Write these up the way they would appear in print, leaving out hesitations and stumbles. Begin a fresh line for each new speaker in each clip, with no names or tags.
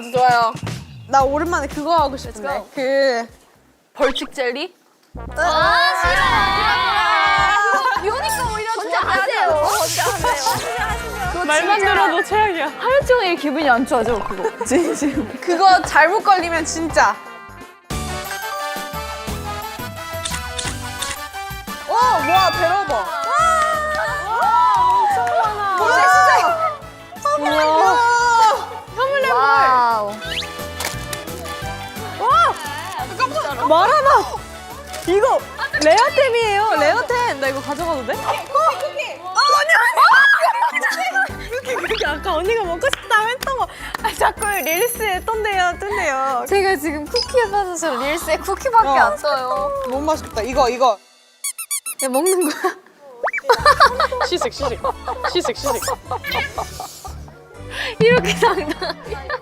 아주 좋아요. 나 오랜만에 그거 하고 싶은데. 그 벌칙 젤리?
비오니까 오히려 혼자 하세요. 혼자 하세요.
말만 들어도 최악이야.
하루 종일 기분이 안 좋아져 그거. 지금.
그거 잘못 걸리면 진짜. 뭐야, 배러버.
엄청 많아.
뭐야, 진짜.
와우.
말하나? 이거 레어템이에요. 레어템. 나 이거 가져가도 돼? 쿠키 아까 언니가 먹고 싶다고 했던 거. 자꾸 릴스에 뜬대요.
제가 지금 쿠키에 빠져서 릴스에 쿠키밖에 안 떠요.
너무 맛있겠다. 이거.
야 먹는 거야?
시식.
이렇게 당당.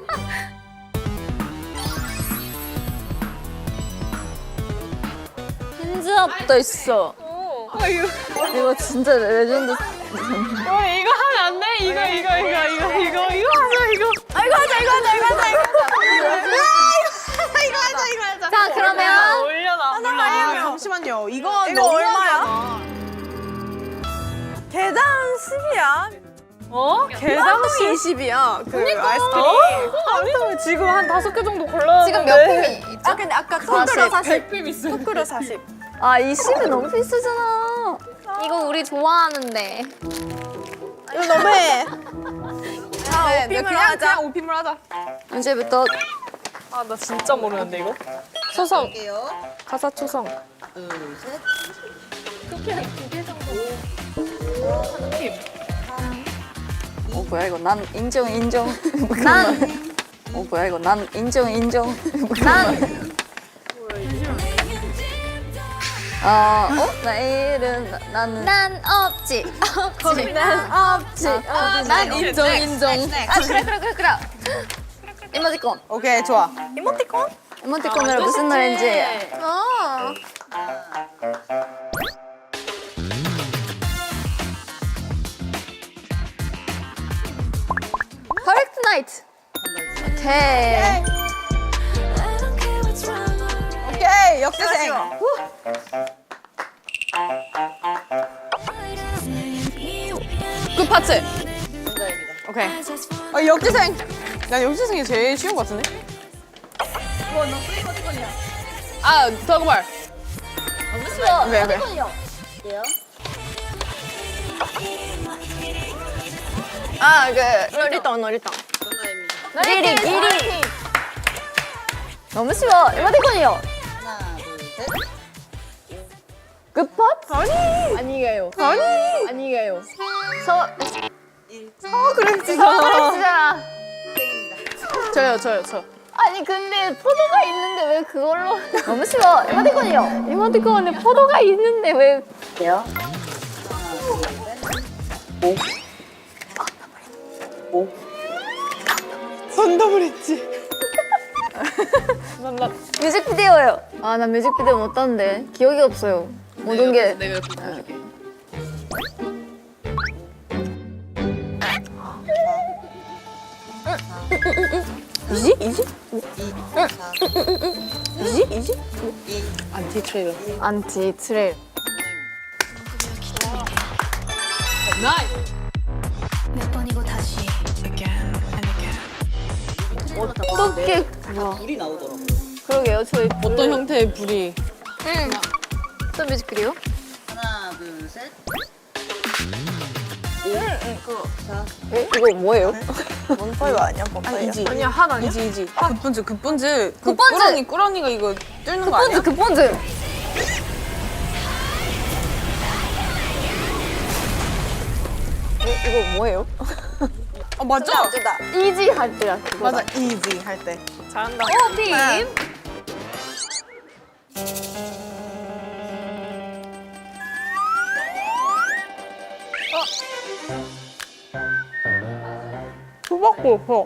핸즈업도 있어. 이거 진짜 레전드.
이거 하면 안 돼? 이거 하자.
자 그러면
올려놔.
잠시만요. 이거
얼마야? 개당 10이야. 어? 개당
20이야. 그 아이스크림.
아니면 지금 한 5개 정도 골랐는데.
지금 몇 품이 있죠?
근데 아까
토크로
100빔 있어.
토크로 40.
아, 이 10이 너무 비싸잖아. 이거 우리 좋아하는데.
이거 너무해.
아,
그냥 오피물 하자.
언제부터
아, 나 진짜 모르는데 이거. 초성. 가사 초성.
뭐야 이거 난 인정. 난 뭐야 이거 난 인정. 난 내일은 난 없지. 난 없지. 난 인정. 아 그래. 이모티콘.
오케이, 좋아.
이모티콘으로 무슨 노래인지. 퍼펙트 나이트. 오케이.
오케이, 역대생. 굿 파츠. 오케이. 역대생. 난 역대생이 제일 쉬운 것 같은데? 아, 더그말. 오케이. 아, 너리땅.
리리. 너무 쉬워. 이모티콘이요. 끝팟?
아니에요.
서그랬잖아.
저요.
아니 근데 포도가 있는데 왜 그걸로? 너무 쉬워. 이모티콘이요. 이모티콘에 포도가 있는데 왜? 돼요?
선담을 했지.
뮤직비디오요. 아, 나 뮤직비디오 못 봤는데 기억이 없어요. 모든 게.
내가 옆에 보여줄게. 이지? 안티 트레일러.
안티 트레일.
나이스.
어떻게? 뭐야?
불이 나오더라고.
그러게요. 저희
어떤 형태의 불이?
또 뮤직비디오?
하나, 둘, 셋.
이거 뭐예요?
원파이어 아니야? 원파이어.
이지.
아니야, 한 아니야?
이지. 급본즈.
급본즈!
꾸러니가 이거 뚫는 거 아니야?
급본즈. 이거 뭐예요?
맞죠?
이지 할 때야 그거.
맞아, 이지 할 때.
잘한다.
빔.
수박고 없어.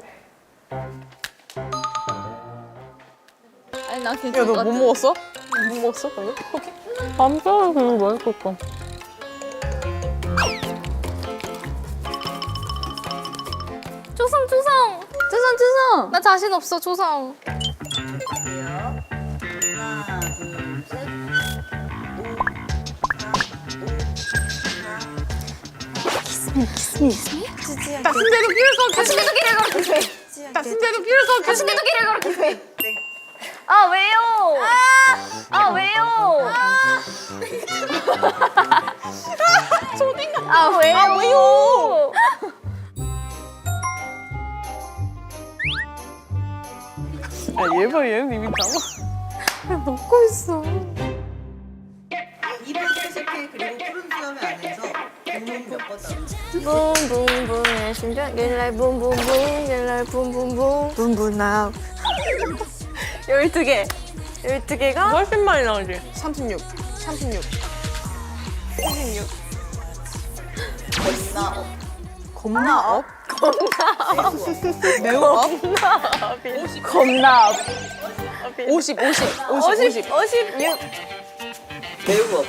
아니 나
야,
괜찮을
너
것
뭐
같아.
먹었어? 뭐 먹었어? 방금?
밤사는 그거 맛있었어.
조성. 주성.
나 자신 없어 조성.
갈게요. 하나, 둘, 셋.
다신대로 길을 걷기. 다신대로 길을 걷기. 다신대로 길을 걷기.
다신대도 길을 걸었겠어요. 아 왜요? 아 왜요? 아 왜요?
아, 왜요? 얘는 이미 나와. 먹고 있어.
입을 세색해 그리고 푸른 수염 안에서 붕붕 몇번 나오죠.
붐붐붐 내 심장 길날 붐붐붐 길날 붐붐붐 붐붐 나.
12개. 12개가 훨씬 많이 나오지. 36. 36. 36.
겁나 업.
겁나 업? 매우 업?
겁나.
50.
56.
매우 업.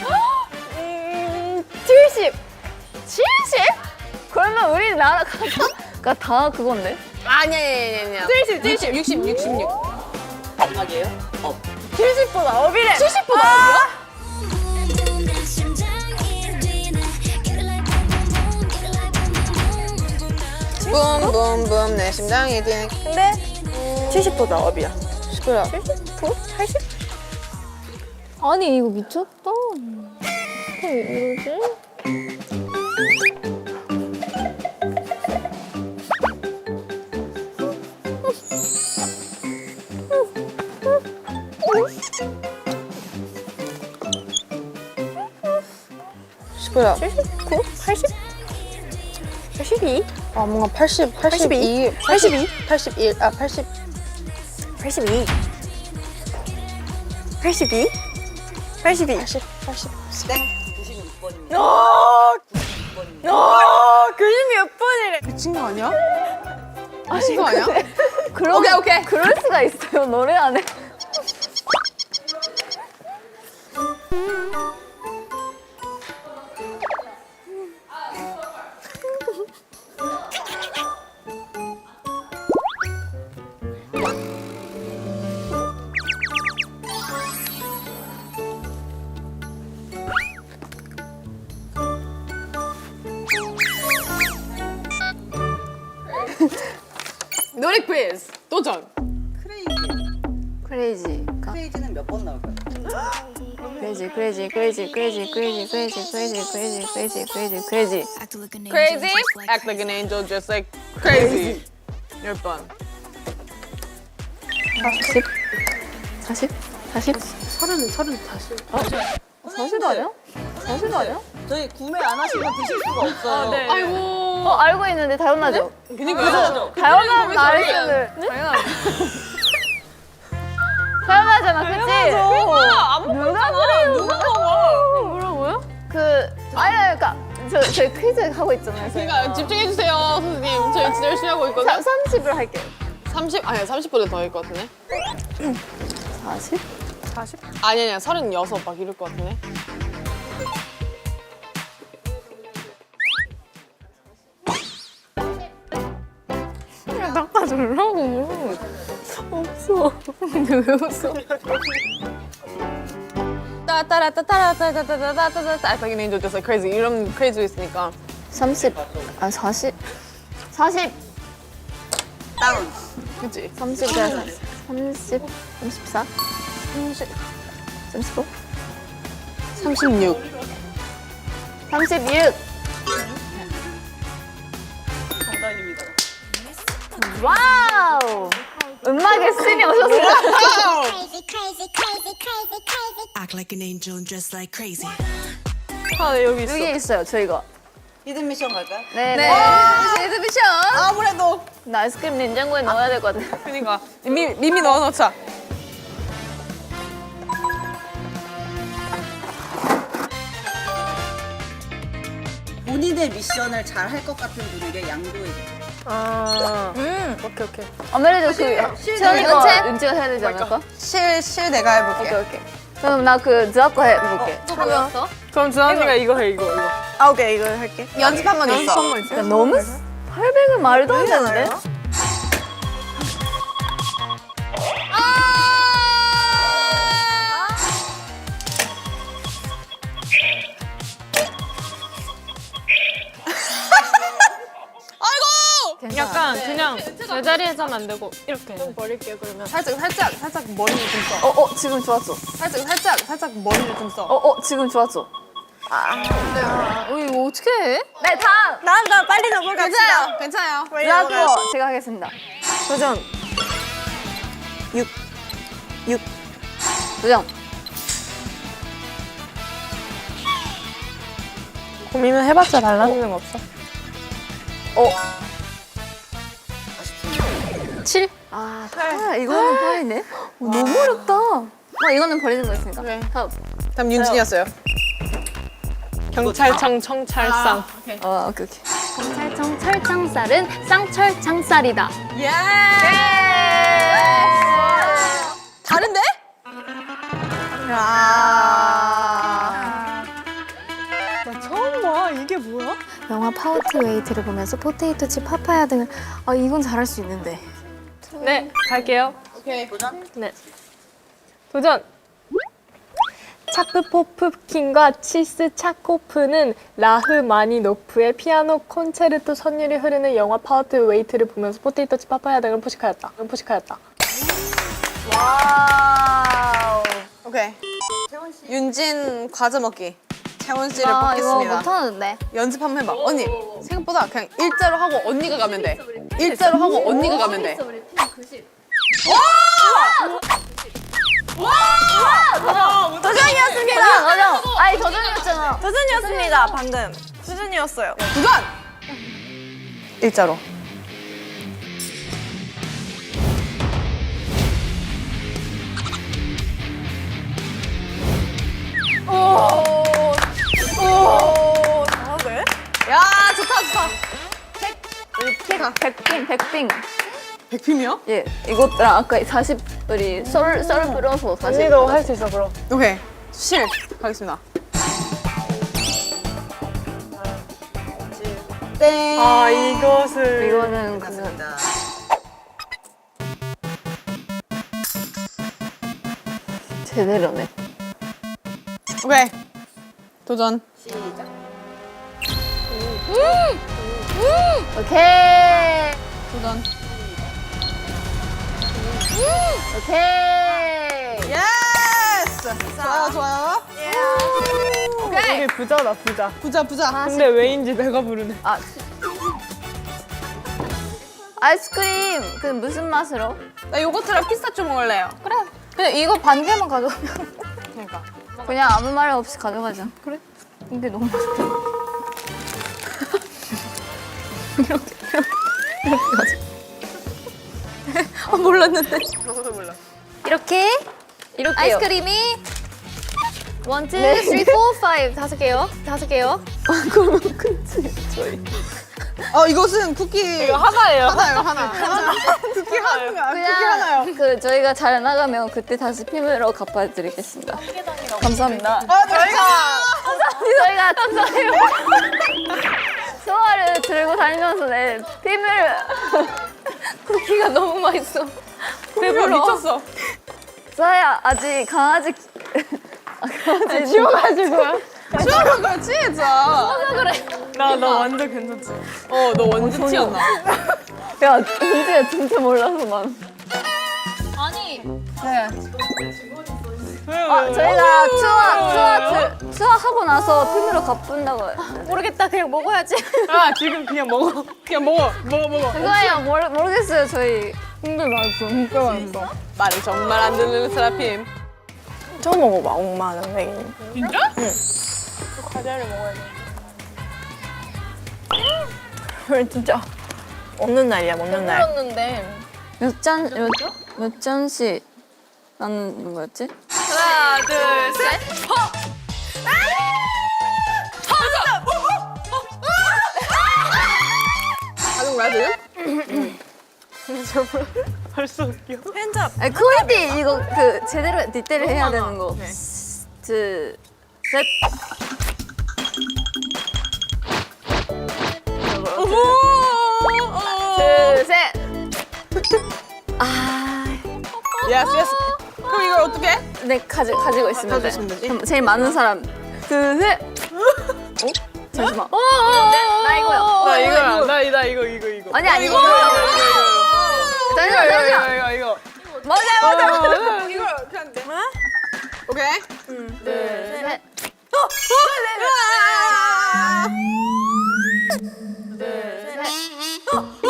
70. 70? 그러면 우리나라가 다 그건데?
아니야. 70. 66.
음악이에요? 업.
70보다 업이래.
70보다 업이야? 붐붐붐 내 심장이 뛰는.
근데 70보다 업이야.
10보다.
80?
아니 이거 미쳤다. 왜 이러지?
뭐야?
79? 80? 82?
아 뭔가 80, 82,
82?
81, 아 80.
82. 82? 82.
80.
땡. 96번입니다.
교수님 몇 번이래?
미친 거 아니야? 미친 거 아니야?
그럼
오케이.
그럴 수가 있어요 노래 안에.
노래 퀴즈 도전.
크레이지.
크레이지.
크레이지는 몇 번 나올까요?
크레이지.
Crazy, act like an angel, just like crazy. 10번.
40? 40? 40 아니야? 40 아니야?
저희 구매 안 하시면 드실 수가 없어요.
네.
아이고.
알고 있는데 당연하죠.
그니까요.
당연한 나이스를. 당연하잖아, 그치?
안
누가 그래요?
누가 먹어?
뭐라고요? 그러니까 저희 퀴즈 하고 있잖아요.
그러니까 집중해주세요, 선생님. 저희 진짜 열심히 하고 있거든요.
30을 할게요.
30? 아니, 30보다 더일 것 같은데?
40?
아니야, 36 막 이럴 것 같은데?
야, 닦아주려고. 없어. 근데 왜 웃어?
따따라따따라따따따따따따따 act like an angel, just like crazy. 이런 crazy 있으니까.
30. 아, 40. 40.
다운.
그치?
30. 30. 34. 35.
36.
36.
정답입니다.
와우. 음악의 신이 오셨어요.
Act like an angel and dress like crazy.
아, 네, 여기 있어.
여기 있어요, 저희가.
히든 미션 갈까요?
네.
레드 미션! 아무래도.
나 아이스크림 냉장고에 넣어야 될 것 같아.
그니까. 미미 넣어놓자.
본인의 미션을 잘 할 것 같은 분에게 양도해줍니다.
오케이.
아무래도 채연이가 은지가 해야 되지 않을까?
실 내가 해볼게.
오케이. 그럼 나 그 드아거 해볼게.
뭐였어?
그럼 주한이가 이거 해, 이거.
아, 오케이. 이거 할게.
연습 한 번 있어.
야, 너무 800은 말도 안 되는데?
하면 안 되고 이렇게 좀 버릴게요. 그러면 살짝 머리를 좀 써.
지금 좋았어.
살짝 머리를 좀 써.
지금 좋았어. 이거 어떻게 해? 네, 다음.
나 빨리 넘어갑시다.
괜찮아요.
나도 제가 하겠습니다.
도전. 6.
도전.
고민을 해봤자 달라지는 거 없어. 7.
이거는 파이네. 너무 어렵다. 이거는 버리는 거였으니까.
네.
다음.
윤진이었어요.
경찰청 청찰상.
오케이.
경찰청 철창살은 쌍철창살이다.
예. 다른데?
나 처음 봐. 이게 뭐야?
영화 파워트 웨이트를 보면서 포테이토 칩 파파야 등을 이건 잘할 수 있는데.
네, 갈게요.
오케이.
네. 도전. 차프포프킨과 치스 차코프는 라흐마니노프의 피아노 콘체르토 선율이 흐르는 영화 파워트 웨이트를 보면서 포테이토 칩 파파야 등을 포식하였다.
와우.
오케이. 윤진 과자 먹기. 채원 씨를
이거
뽑겠습니다.
못하는데.
연습 한번 해봐. 언니 생각보다 그냥 일자로 하고 언니가 가면 돼. 일자로 하고 언니가 가면 돼.
도전이었습니다.
도전이었잖아.
도전이었습니다. 방금. 도전이었어요.
도전! 일자로.
잘하네.
야 좋다.
백빙.
백팀이요?
예, 이것랑 아까 40 우리 썰 불어서 40.
언니도 할 수 있어 그럼.
오케이. 실 가겠습니다. 땡.
아 이것을.
이거는 그
맞습니다.
제대로네.
오케이. 도전.
오케이.
도전.
오케이.
예스. 좋아요.
우리 부자다 부자.
부자.
근데 왜인지 내가 부르네.
아이스크림 그 무슨 맛으로?
나 요거트랑 피스타치오 먹을래요.
그래. 그냥 이거 반 개만 가져오면.
그러니까.
그냥 아무 말 없이 가져가자. 그래. 근데 너무 맛있다.
몰랐는데.
이렇게
이렇게요.
아이스크림이 1, 2, 3, 4, 5 다섯 개요.
이것은 쿠키
이거 하나예요.
하나. 쿠키 하나요.
그 저희가 잘 나가면 그때 다시 피부로 갚아드리겠습니다. 감사합니다. 저희가 소화를 들고 다니면서 내 피부를 쿠키가 너무 맛있어.
배불러. 미쳤어.
소아야 아직 강아지
치워가지고요.
추억한 거야 진짜.
나 완전 괜찮지.
너 완전 티였나?
야 은지야 진짜 몰라서만. 저희가 투어하고 나서 피부로 갚는다고.
모르겠다. 그냥 먹어야지.
아 지금 그냥 먹어. 먹어.
그거예요. 모르겠어요 저희.
근데 맛있어. 진짜 맛있어.
말을 정말 안 듣는 세라핌.
처음 먹어봐. 엄마는 맹이. 진짜? 응. 과자를 먹어야 돼. 오늘 진짜 먹는 날이야. 먹는 날.
먹었는데.
몇 잔씩 나는 거였지?
하나, 둘, 셋. 하는 거야 지금?
벌써 웃겨.
팬잡.
아니 코미디 이거 그 제대로 디테일 해야 되는 거. 둘, 셋. 둘, 셋.
예스. 그럼 이걸 어떻게 해?
네 가지고 있으면
가지고
돼.
있으면 되지?
그럼 제일 많은 사람. 둘, 셋. 잠시만. 나 이거요.
나 이거야. 나 이거.
아니 아니 이거.
잠시만.
이거.
맞아.
이거 그냥 돼. 오케이.
둘, 셋. 둘, 셋.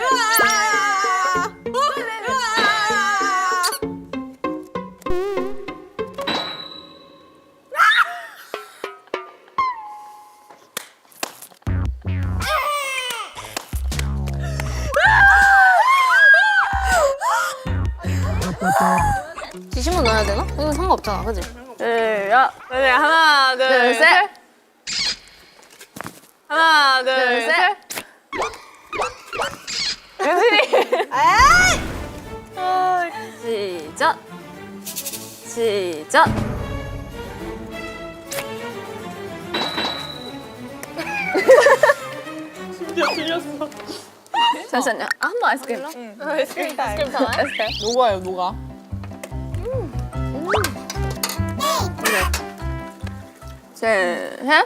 지심은 넣어야 되나? 이건 상관없잖아, 그지?
야, 하나, 둘, 셋. 하나, 둘, 셋.
시작. 시작. 잠시만요. 한 번 아이스크림.
아이스크림 타임.
아이스크림.
녹아요, 녹아.
셋, 셋.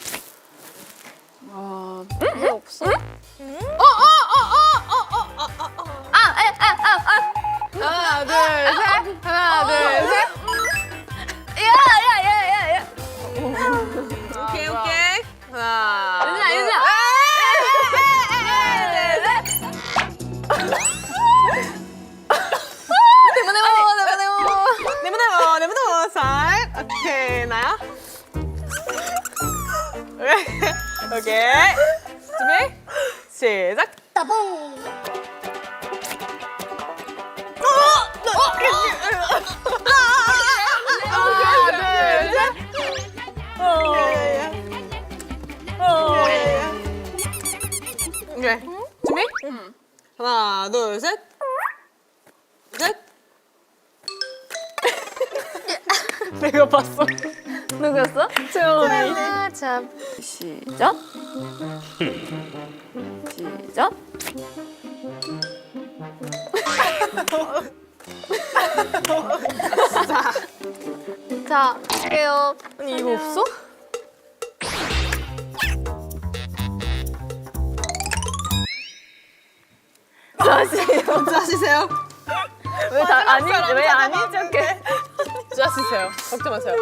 왜 없어? 하나, 둘, 셋. 하나, 둘, 셋.
야야야야야.
오케이, 오케이. 하나.
유진아, 유진아.
내보내고, 살. 오케이, 나야. 오케이. 준비, 시작. 하나, 둘, 셋. 오케이. 준비? 하나, 둘, 셋. 셋. 내가 봤어.
누구였어?
채원이.
자, 시작. 시작. 자, 할게요.
아니, 이거 없어? 자시세요.
왜 아닌 척해?
자시세요. 걱정 마세요.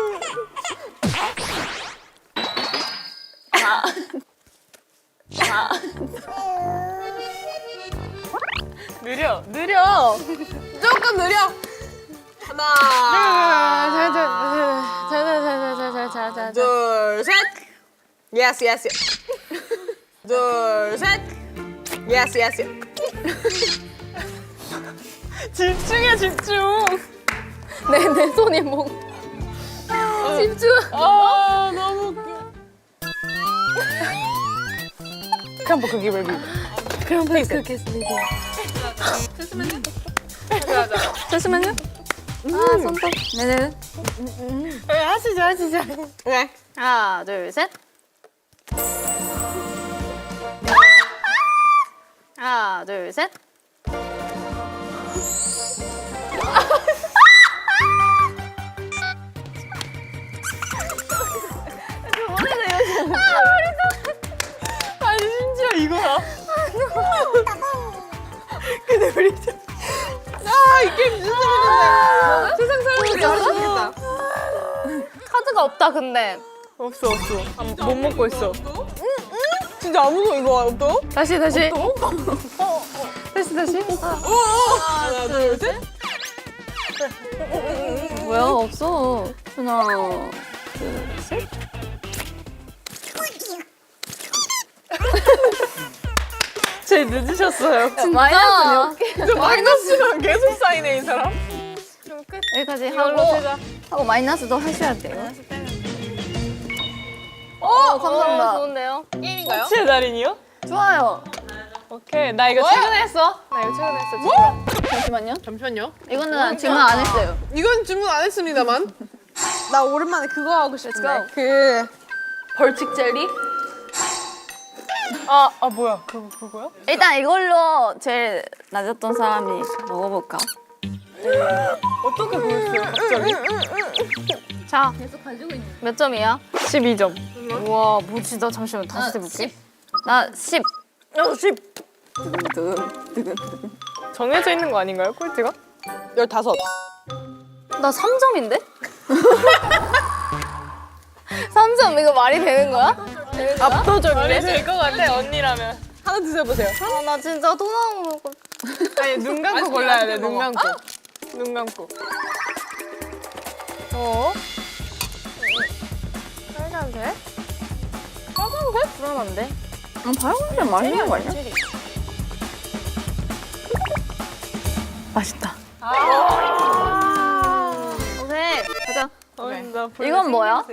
느려. 조금 느려. 하나, 둘, 셋. Yes, yes, yes. 둘, 셋. Yes, yes, yes. 집중해, 집중.
내 손이 뭐. 집중.
아, 너무 웃겨. Come back, give me.
그럼 그렇겠습니다. 잠시만요. 아, 손톱. 네네.
하시죠. 오케이.
하나, 둘, 셋. 하나, 둘, 셋.
아니, 심지어 이거야. 근데 우리 진짜. 이 게임 진짜 재밌는데. 세상 사람들이 잘하겠다.
카드가 없다, 근데.
없어. 못 먹고 있어. 진짜 아무도 이거 없어?
다시. 다시.
하나, 둘, 셋.
뭐야, 없어. 하나, 둘, 셋.
제일 늦으셨어요.
진짜?
저 마이너스가 계속 쌓이네, 이 사람.
여기까지
이걸로
하고 마이너스도 하셔야 돼요.
감사합니다.
좋은데요?
게임인가요? 제 달인이요?
좋아요.
오케이, 나 이거 최근에 했어. 뭐? 잠시만요.
이거는 질문 안 했어요.
이건 주문 안 했습니다만. 나 오랜만에 그거 하고 싶은데. 그 벌칙 젤리? 뭐야? 그거야?
일단 이걸로 제일 낮았던 사람이 먹어볼까?
어떻게 보였어요, 갑자기?
자, 몇 점이야?
12점.
우와, 뭐지? 나 잠시만 다시 해볼게. 나 10.
10.
두근.
정해져 있는 거 아닌가요? 꼴찌가?
15.
나 3점인데? 3점 이거 말이 되는 거야?
압도적인데? 될것 같아 언니라면.
하나 드셔보세요.
아, 나 진짜 토 나오는 거.
아니 눈 감고 골라야 돼. 눈 감고. 눈 감고. 빨간색? 빨간색? 불안한데?
빨간색 맛있는 거 아니야? 맛있다.
오케이, 가자.
나
이건 뭐야?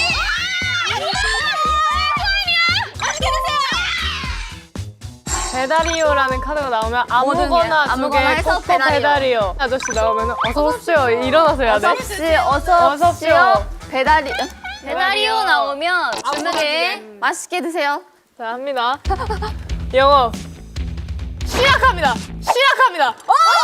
배달이요라는 카드가 나오면 아무거나 두
아무거나
개
해서
코코
배달이요.
배달이요. 아저씨 나오면 어서 오십시오. 일어나서 해야 돼.
어서
어서
오십시오. 배달이요 나오면 주문에 맛있게 드세요.
자 합니다. 영어 시작합니다. 시작합니다.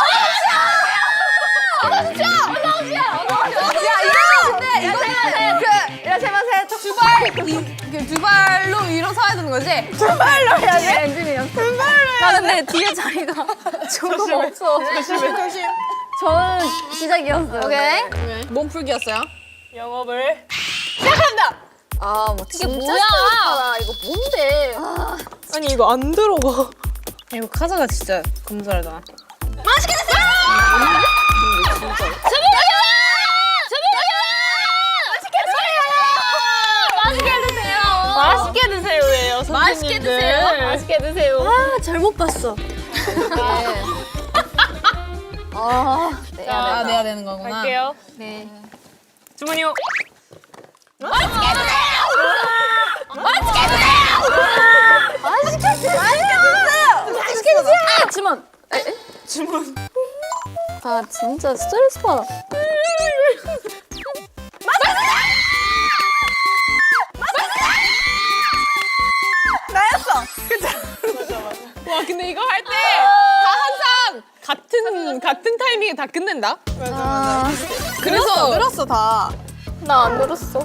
이라시마세 두 발로 일어서야 되는 거지? 두 발로 해야 돼?
엔진이었어. 나 근데 뒤에 자리가 조금 없어.
조심.
저는 시작이었어요. 오케이.
몸풀기였어요.
영업을 시작합니다.
아, 뭐 진짜 뭐야? 이거 뭔데?
아니 이거 안 들어가.
이거 카자가 진짜 검사하다.
맛있게 드세요예요.
맛있게 드세요. 맛있게 드세요.
아, 잘못 봤어.
아, 내야 되는 거구나.
갈게요.
네.
주문이요.
주문. 아, 진짜 스트레스 받아.
와, 근데 이거 할 때 다 항상 같은 타이밍에 다 끝낸다.
아,
그래서 늘었어 다.
나 안 들었어.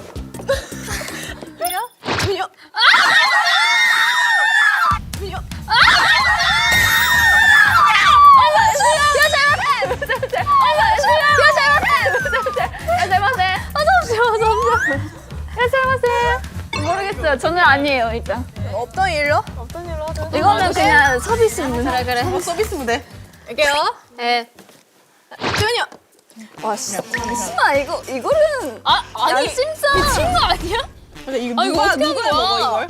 모르겠어요. 저는 아니에요, 일단.
없던 일로?
어떤 일로 하죠?
이거는 그냥 서비스 있는. 그래.
서비스 무대. 할게요.
네.
주문이요.
와, 잠시만, 이거는. 아니, 진짜. 미친 거 아니야?
근데 이거 누가 먹어 이걸?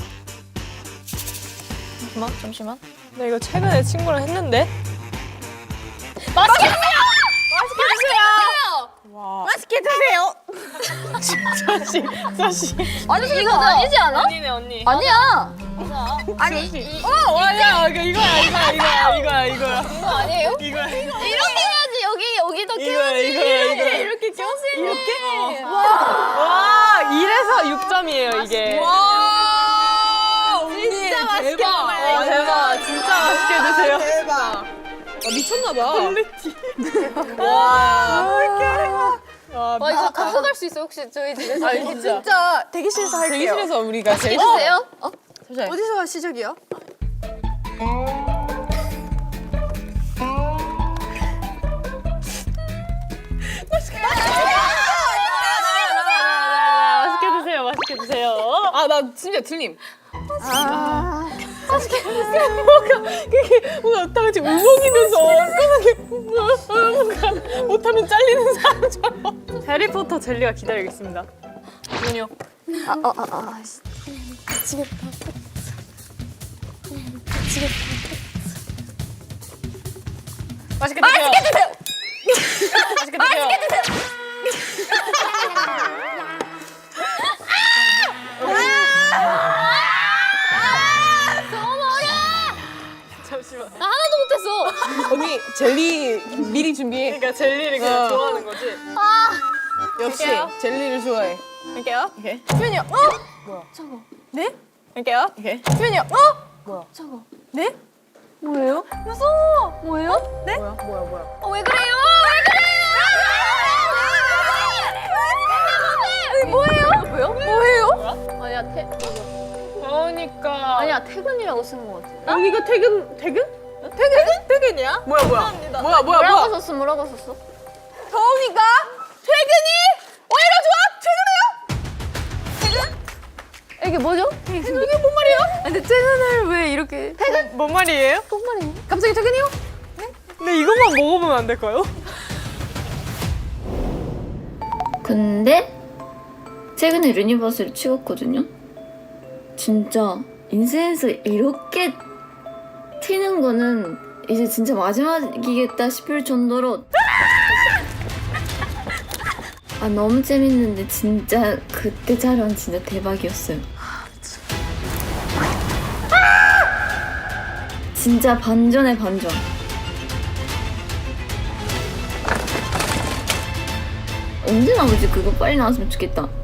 잠시만.
나 이거 최근에 친구랑 했는데.
맛있게 드세요!
자식.
아니, 이거 아니지 않아?
언니네 언니.
아니야.
와야 이거야.
아니에요?
이거야.
이렇게 해야지. 여기도
이거야.
이렇게
이렇게?
와 이래서 6점이에요 이게.
와, 진짜 맛있게
대박. 와 대박. 진짜 맛있게 드세요.
대박. 미쳤나봐. 와.
와, 이거 가져갈 수 있어, 혹시 저희 집에서?
아, 이거 진짜 대기실에서 할게요. 대기실에서 우리가 제일
해주세요.
어디서 시작이요?
맛있게 드세요. 맛있게 드세요.
아, 나 진짜 틀림. 뭔가 다 같이 울먹이면서 엉뚱하게 못하면 잘리는 사람처럼.
해리포터 젤리가 기다리고 있습니다. 주문이요. 맛있게 드세요. 맛있게 드세요. 잠시만.
나 하나도 못했어.
언니 젤리 미리 준비해.
그러니까 젤리를 그냥 좋아하는 거지.
역시
할게요.
젤리를 좋아해.
할게요.
오케이. 수현이 형. 뭐야? 저거. 네?
할게요.
오케이. 수현이 형. 뭐야? 저거. 네?
뭐예요?
무서워.
뭐예요?
네?
뭐야?
왜 그래요? 뭐예요? 아니야,
그러니까.
아니야, 퇴근이라고 쓰는 것 같아.
여기가 퇴근? 퇴근이야? 뭐야?
뭐라고
뭐야?
썼어? 뭐라고 썼어?
더우니까 퇴근이 오히려 좋아. 퇴근해요?
이게 뭐죠?
이게 뭔 말이에요?
근데 퇴근을 왜 이렇게
뭔 말이에요?
뭔 말이에요?
갑자기 퇴근이요?
근데 이것만 먹어보면 안 될까요?
근데 최근에 유니버스를 찍었거든요. 진짜 인생에서 이렇게 튀는 거는 이제 진짜 마지막이겠다 싶을 정도로 너무 재밌는데 진짜 그때 촬영 진짜 대박이었어요. 진짜 반전에 반전. 언제 나오지? 그거 빨리 나왔으면 좋겠다.